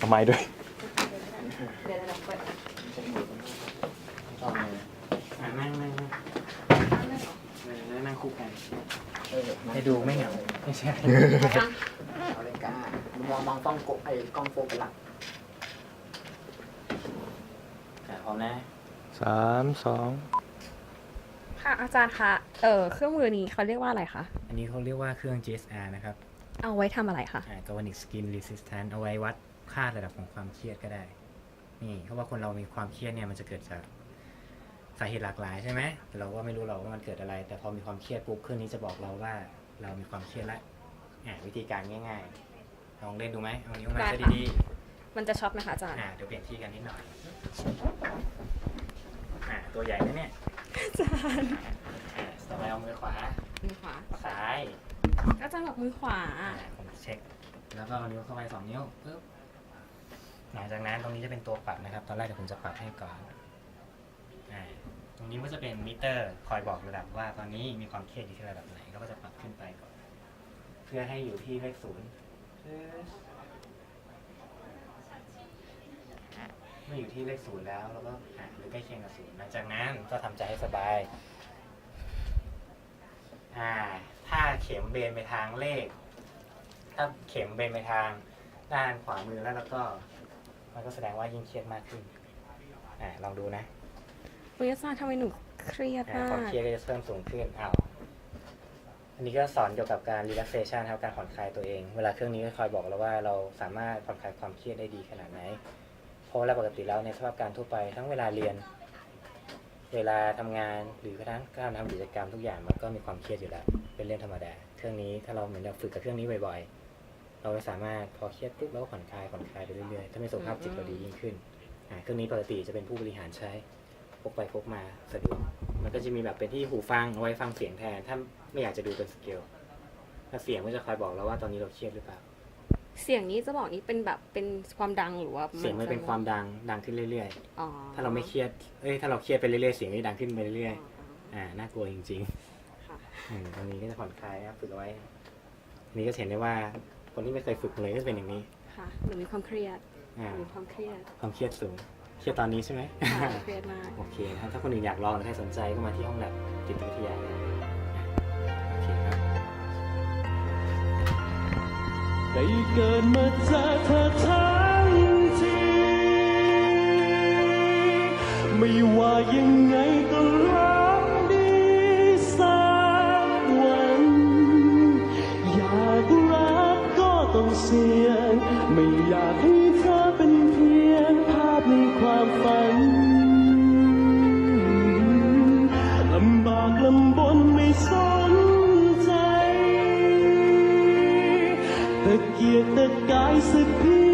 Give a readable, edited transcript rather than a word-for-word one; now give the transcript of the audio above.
ทำไมด้วยเดี๋ยวเราเปิดนั่งคู่กันให้ดูไม่เหงาไม่ใช่เอาเลยก้ามองต้องกล้องโฟกัสหลักพร้อมนะ 3 2 ค่ะอาจารย์คะเครื่องมือนี้เขาเรียกว่าอะไรคะอันนี้เขาเรียกว่าเครื่อง GSR นะครับเอาไว้ทำอะไรคะ Galvanic Skin Resistance เอาไว้วัดค่าระดับของความเครียดก็ได้นี่เพราะว่าคนเรามีความเครียดเนี่ยมันจะเกิดจากสาเหตุหลากหลายใช่ไหมแต่เราก็ไม่รู้เราว่ามันเกิดอะไรแต่พอมีความเครียดปุ๊บเครื่องนี้จะบอกเราว่าเรามีความเครียดแล้ววิธีการง่ายๆลองเล่นดูไหมเอานิ้วมาซะดีๆมันจะช็อตไหมคะอาจารย์เดี๋ยวเปลี่ยนที่กันนิดหน่อยตัวใหญ่นะเนี่ยอาจารย์ต่อไปเอามือขวาซ้ายอาจารย์บอกมือขวาผมเช็คแล้วก็เอานิ้วเข้าไป2 นิ้วปึ๊บหลังจากนั้นตรงนี้จะเป็นตัวปรับนะครับตอนแรกเดี๋ยวผมจะปรับให้ก่อนตรงนี้ก็จะเป็นมิเตอร์คอยบอกระดับว่าตอนนี้มีความเครียดอยู่ที่ระดับไหนเราก็จะปรับขึ้นไปก่อนเพื่อให้อยู่ที่เลข0เมื่ออยู่ที่เลข0แล้วเราก็หรือใกล้เคียงกับ0หลังจากนั้นก็ทำใจให้สบายถ้าเข็มเบนไปทางเลขถ้าเข็มเบนไปทางด้านขวามือแล้วก็มันก็แสดงว่ายิ่งเครียดมากขึ้นลองดูนะวิทยาศาสตร์ทำไมหนูเครียดมากความเครียดก็จะเพิ่มสูงขึ้นอันนี้ก็สอนเกี่ยวกับการ relaxation ครับการผ่อนคลายตัวเองเวลาเครื่องนี้ก็คอยบอกเราว่าเราสามารถผ่อนคลายความเครียดได้ดีขนาดไหนเพราะว่าปกติแล้วในสภาพการทั่วไปทั้งเวลาเรียนเวลาทำงานหรือกระทั่งการทำกิจกรรมทุกอย่างมันก็มีความเครียดอยู่แล้วเป็นเรื่องธรรมดาเครื่องนี้ถ้าเราเหมือนเราฝึกกับเครื่องนี้บ่อยๆเราสามารถพอเครียดปุ๊บแล้วผ่อนคลายไปเรื่อยๆถ้ามีสุขภาพจิตเราดียิ่งขึ้นเครื่องนี้ปกติจะเป็นผู้บริหารใช้พกไปพกมาสะดวกมันก็จะมีแบบเป็นที่หูฟังเอาไว้ฟังเสียงแทนถ้าไม่อยากจะดูเป็นสเกลถ้าเสียงก็จะคอยบอกเราว่าตอนนี้เราเครียดหรือเปล่าเสียงนี้จะบอกนี้เป็นแบบเป็นความดังหรือว่าเสียงมันเป็นความดังขึ้นเรื่อยๆถ้าเราไม่เครียดถ้าเราเครียดไปเรื่อยๆเสียงก็ดังขึ้นไปเรื่อยๆน่ากลัวจริงๆตรงนี้ก็จะผ่อนคลายครับฝึกเอาไว้นี่ก็เห็นได้ว่าคนที่ไม่เคยฝึกเลยก็จะเป็นอย่างนี้ค่ะหนูมีความเครียดมีความเครียดสูงเครียดตอนนี้ใช่ไหมเครียดมากโอเคครับถ้าคนอื่นอยากลองหรือใครสนใจก็มาที่ห้องแลบจิตวิทยาโอเคครับได้เกิดมาเจอเธอทั้งทีไม่ว่ายังไงก็รักดีสักวันอยากรักก็ต้องเสี่ยงไม่อยากให้เธอเป็นเพียงภาพในความฝันลำบากลำบนไม่สนใจตะเกียกตะกายสักเพี